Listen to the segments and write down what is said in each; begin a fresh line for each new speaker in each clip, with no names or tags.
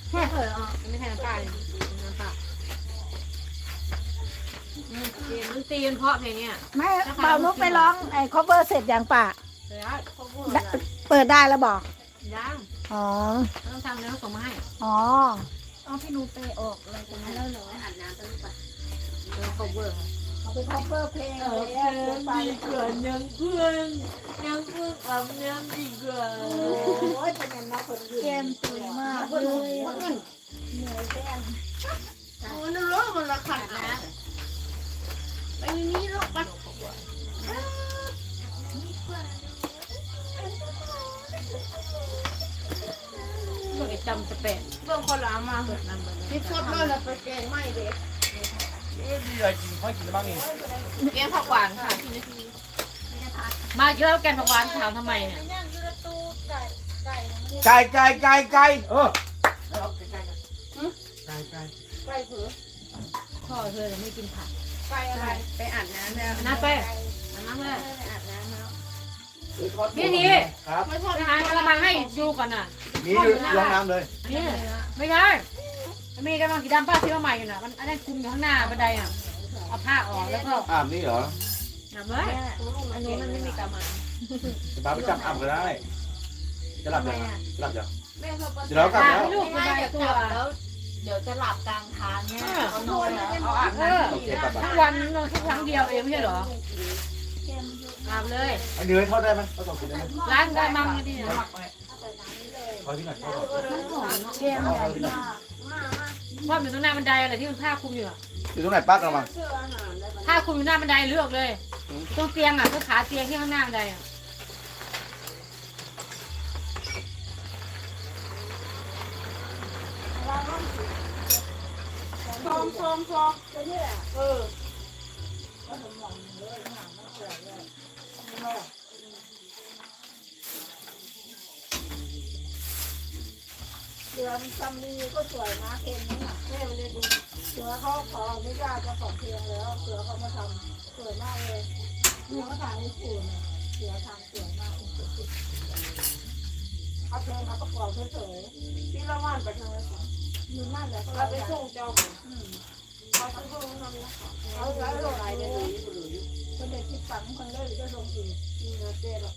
ไม่เคยไม่ใช่น้ำปลาเลยน้ำปลามันตีมันเพราะเพลงเนี่ย
ไม่เบานุกไปร้องไอ้ cover เสร็จอย่างป่ะ
เดี๋ยวเขาพูด
เปิดได้แล้วบอก
ยัง
อ๋อ
ต้องทำแล้วส่งมาให้
อ๋อเอาพี่นุกไปออกอะไรกันนะแล้วเหรอ
อาบน้ำตั้งแต่เขาเวิร์ก
เอาไป cover เพลงเลยไป
ดีกว่ายังเพื่อนอาบน้ำดีกว่า
โอ้ยเป็นยังไงคนเกมตื่นมากเลยเหนื่อยแก้ม
โอ้นั่นร้อนมันละขัดนะไปนี้ลูกไปก็ไอ้จำจะเป็นเรื่องคนละมาเหมือนนั่นเหมือนที่ชดเลยนะไปแกงไม่เด็ก
มีอะไรกินค่อยกินบ้างนี่
แกงผักหวานค่ะมาเยอะแกงผักหวานถามทำไมเนี่ย
ไก่เออไก่
พ่อเธอไม่กินผัก
ไปอะไรไปอาบน้ำแล้ว
น้ำไปน้ำเลย
ไปอาบน้ำแล้ว
พี่ที
ครับ
ไปหากระมังให้ดูก่อนน่ะ
มีลงน้ำเลย
นี่ไม่ใช่มีกระมังสีดำป้าที่ว่าใหม่อยู่น่ะมันอันนั้นคุมอยู่ข้างหน้าบันไดอ่ะเอาผ้าออกแล้วก็
อาบนี่เหรอ
น้ำเลยอันนี้มันไม่มีกระมัง
จะพาไปจับอาบก็ได้จะหลับยังหลับยัง
แม่เขา
เดี๋ยวเรากลับแล้ว
ลูกสบายตัว
แล้วเดี๋ยวจะหลับกลางทางเนี่ยเขานอนแล้วเขาอาบ
เอ
น้
อ
โอเคกลับ
ทุ
มาก
วันนอนแค่ครั้งเดียวเองไม่ใช่เหรออาบเลย
อันนี้ทอดได้ไหมทอดสองชิ้นได้ไหม
ล้างได้มั่งดีนะ
ทอดที่ไหนทอดก่อน
เกมใหญ่มาก
ว่าอยู่ตรงหน้าบันไดอะไรที่มันผ้าคลุมอยู่อะ
อยู่ตรงไหนปักเรามา
ผ้าคลุมอยู่หน้าบันไดเลือกเลยตรงเตียงอ่ะตรงขาเตียงที่ข้างหน้าบันไดอ่ะ
ซ้อมเออ
เสือมันซัมลีก็สวยนะเพลงนี้น่ะแม่ไม่ได้ดูเสือเขาขออนุญาตเจ้าของเพลงแล้วเสือเขามาทำสวยมากเลยเสือเขาถ่ายให้สวยเสือทำสวยมากเอาเพลงมาประกอบเฉย
ที่ละวันไปทางไหน
ๆอยู่นั่นแหละก็
เราไป
ไป
ส่งเจ้าเขาทั้งพวกนั้นนะ
เอาแล้วลงไปเลยคนเด็กที่ฝังคนเลยจะลงอีก
มีเนื้อเจ๊หรอก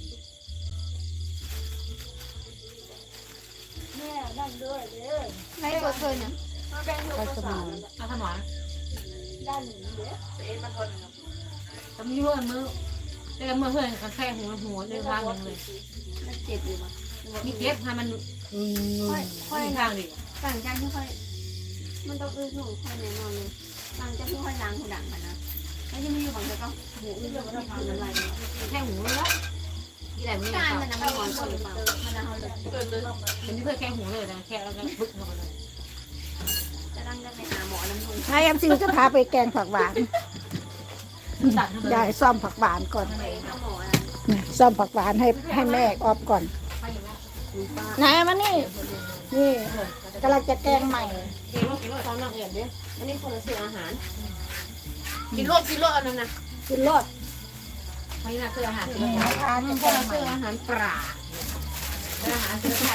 แม่นั่นด้วยเด้อ
ไม่กดเคยเนี่ยมาแบ่งลูกภาษา
เอาสมอง
ด้านนี้เด้อ
เอ็นมาทน
แต่ไม่รู้ว่ามือแต่มือเพื่อนกันแค่หัวในทางหนึ่งเลย
มันเจ็บอยู่มั้ย
มีเก็บให้มันค่อยทางดิ
หลังจากที่ค่อยมันต้องอื้อหูค่อยแน่นอนเลยหลังจากที่ค่อยล้างหูดังมันนะแล้วยังไม่อยู่ฝั่งเธอก็หูอื้อเรื่องมันทำอะไร
แค่หูแล้วที่ไหนไม่
กา
ได้
รมันนะมันนอนก่อนหรือเปล่ามันนะเขาเลยเกิดเลย
เป็นที่เพื่อแค่หูเลยนะแค่แล้วก็บึ้งเข้าไปเลย
จะตั้งจะไปหาหมอน้ำนุ่ง
นายMCจะพาไปแกงผักหวาน
ตัดเข้าไป
ยายซ่อมผักหวานก่อน
ไปหาหมอนะ
ซ่อมผักหวานให้แม่ออฟก่อนนายมานี่นี่กำลังจะแกงใหม่
กินรถเขาหนักเอียดดิ
อันนี้คนละซื้ออาหาร
กินรถอันนั้นนะ
กินรส
เขานี่นะคืออาหาร
นี่ทาน
มัน
แก
คน
ง
ละ
ใหม่
คืออาหารปลาอาหารเสื้อผ้า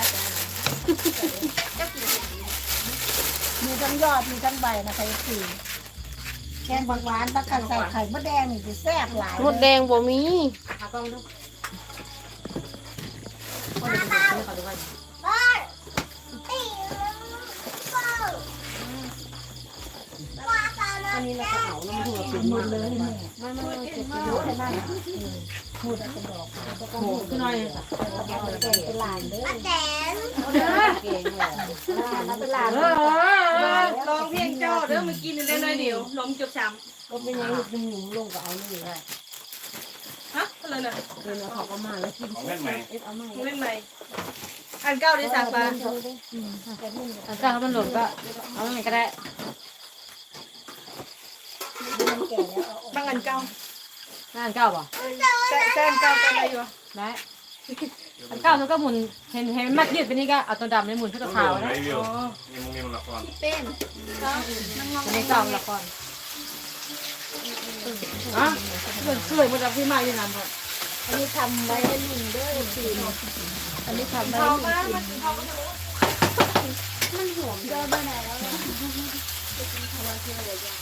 มีทั้งยอดมีทั้งใบนะคะสี่แกงผักหวานตะกันใส่ไข่มดแดงนี่จะแซ่บหลาย
มดแดงบ่มี
หากล้องดูคนเด็กๆเขาดูว่า
อันนี้เราจะเอาน้ำหัว
กินหมดเลยแม่
ไม่เจ็บ
พูดแค่นั้นพูดเป็นดอกแล้วก็
โห
พูด
ขึ้นหน่อยเลยค่ะ
เอาไปแกงเป็นลานเด้อ
เก่งเลย
เอาเป็นลาน
ลองเพียงเจ้าเด้อมากินได้เลยเดี๋ยวลมจุกช้ำ
ก็เป็นยังดึงหนูลงก็เอาเลย
ฮะอะไรน่ะ
เดินเอาเขาก็มาแล้วกิน
ของเล่นใหม่
เอามา
เล่นใหม่อันเก้าได้สักปะอันเก้ามันหล่นก็เอาไงก็ได้บางอันเก้าอันเก้าป่ะแซนเก้าอะไรอยู่ได้อันเก้ามันก็หมุนเห็นมัดยืดไปนี่ก็เอาตัวดำในหมุนเพื่อตัวขาวนะ
มีมันละคร
เป็น
อันนี้เก้าละครอ่ะสวยมันจะพี่มาอยู่นานหมด
อันนี้ทำไว้ให้ลิงเด้อสี่อันนี้ทำไว้ให้ลิงกิน
มันหอม
ย
ไปไหนแล้วไปกินข้าวที่เราอยาก